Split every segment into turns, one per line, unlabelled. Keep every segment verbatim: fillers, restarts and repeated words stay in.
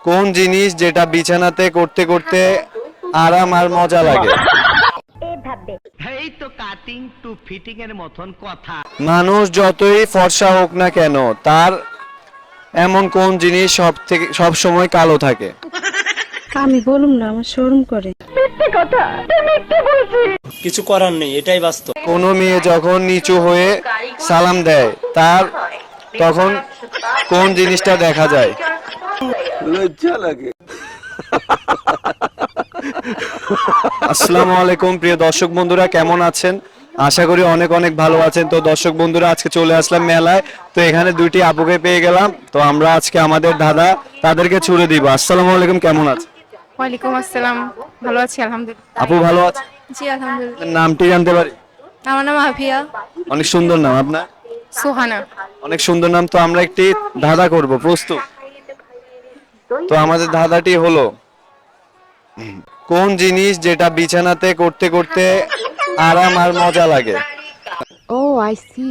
কোন জিনিস যেটা বিছানাতে করতে করতে আরাম আর মজা লাগে?
এই তো কাটিং টু ফিটিং এর মতন কথা।
মানুষ যতই ফর্সা হোক না কেন, তার এমন কোন জিনিস সব থেকে সব সময় কালো থাকে?
আমি বলুম না, আমার শরম করে।
কিছু করার নেই, এটাই বাস্তব।
কোনো মেয়ে যখন নিচু হয়ে সালাম দেয়, তার তখন কোন জিনিসটা দেখা যায়?
লজ্জা লাগে।
আসসালামু আলাইকুম প্রিয় দর্শক বন্ধুরা, কেমন আছেন? আশা করি অনেক অনেক ভালো আছেন। তো দর্শক বন্ধুরা, আজকে চলে আসলাম মেলায়। তো এখানে দুইটি আপুকে পেয়ে গেলাম। তো আমরা আজকে আমাদের দাদা তাদেরকে ছুড়ে দিব। আসসালামু আলাইকুম, কেমন আছেন?
ওয়ালাইকুম আসসালাম, ভালো আছি আলহামদুলিল্লাহ।
আপু ভালো আছেন?
জি আলহামদুলিল্লাহ।
নামটি জানতে পারি?
আমার নাম আফিয়া।
অনেক সুন্দর নাম আপনার।
সোহানা।
অনেক সুন্দর নাম। তো আমরা একটি ধাঁধা করব, প্রস্তুত? তো আমাদের ধাঁধাটি হলো, কোন জিনিস যেটা বিছানাতে করতে করতে আরাম আর মজা লাগে?
ও আই সি।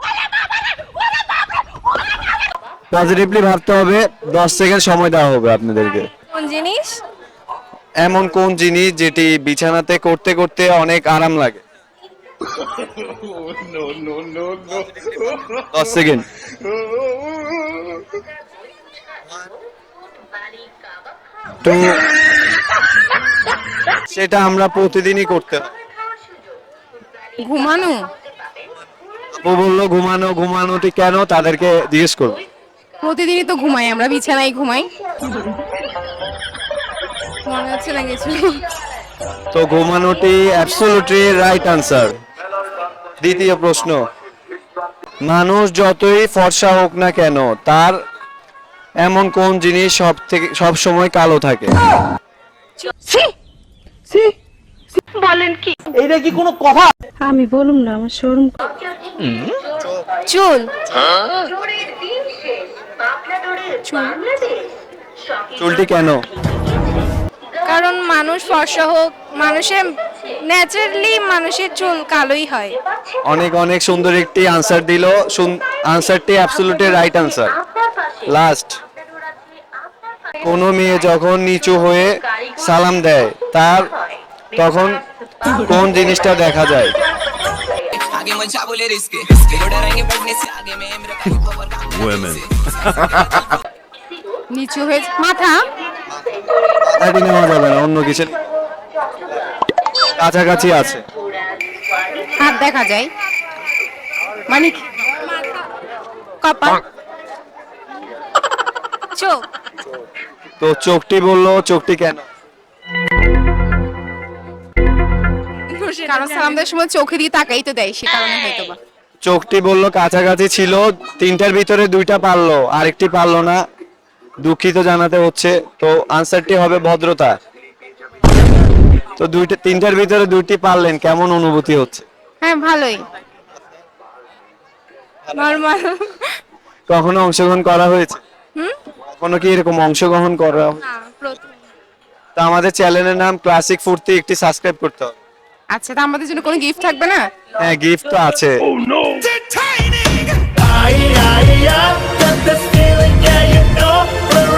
পজিটিভলি ভাবতে হবে। দশ সেকেন্ড সময় দেওয়া হবে আপনাদেরকে।
কোন জিনিস?
এমন কোন জিনিস যেটি বিছানাতে করতে করতে অনেক আরাম লাগে? দশ সেকেন্ড। তো সেটা আমরা প্রতিদিনই করতে হয়।
ঘুমানো।
ও বললো ঘুমানো। ঘুমানোটি কেন, তাদেরকে জিজ্ঞেস করবো।
প্রতিদিনই তো ঘুমাই, আমরা বিছানায় ঘুমাই। মনে হচ্ছে না কিছু।
তো ঘুমানোটি অ্যাবসলিউটলি রাইট আনসার। দ্বিতীয় প্রশ্ন, মানুষ যতই ফর্সা হোক না কেন, তার এমন কোন জিনিস সব থেকে সব সময় কালো থাকে?
আমি বলুম না, আমার শরম করে।
চুল।
চুলটি কেন?
কারণ মানুষ ফর্সা হোক, মানুষের ন্যাচারালি মানুষের চুল কালোই হয়।
অনেক অনেক সুন্দর একটি আনসার দিল। আনসারটি অ্যাবসলিউটলি রাইট আনসার। লাস্ট, কোনো মেয়ে যখন নিচু হয়ে সালাম দেয়, তার তখন কোন জিনিসটা দেখা যায়?
নিচু হয়ে মাথা।
মাথাটি নেওয়া যাবে না, অন্য কিছু কাছাকাছি আছে।
হাত দেখা যায়, মানে কি? কপাল। চোখ।
তো চোখটি বললো, চোখটি কেন?
কারণ সালাম দেওয়ার সময় চোখে দিয়ে তাকাই তো দেয়, সে কারণে হয়তো বা।
চোখটি বললো কাছাকাছি ছিল। তিনটার ভিতরে দুইটা পারলো, আরেকটি পারলো না। দুঃখিত জানাতে হচ্ছে। তো আনসারটি হবে ভদ্রতা। তো দুইটা তিনটার ভিতরে দুইটি পারলেন, কেমন অনুভূতি হচ্ছে?
হ্যাঁ ভালোই, নরমাল।
কখনো অংশগ্রহণ করা হয়েছে?
হুম।
কখনো কি এরকম অংশগ্রহণ করা?
না, প্রথম।
তো আমাদের চ্যানেলের নাম ক্লাসিক ফুর্তি, একটি সাবস্ক্রাইব করতে হবে।
আচ্ছা, তা আমাদের জন্য কোনো গিফট থাকবে না?
হ্যাঁ, গিফট তো আছে।
I, I, I got this feeling, yeah, you know we're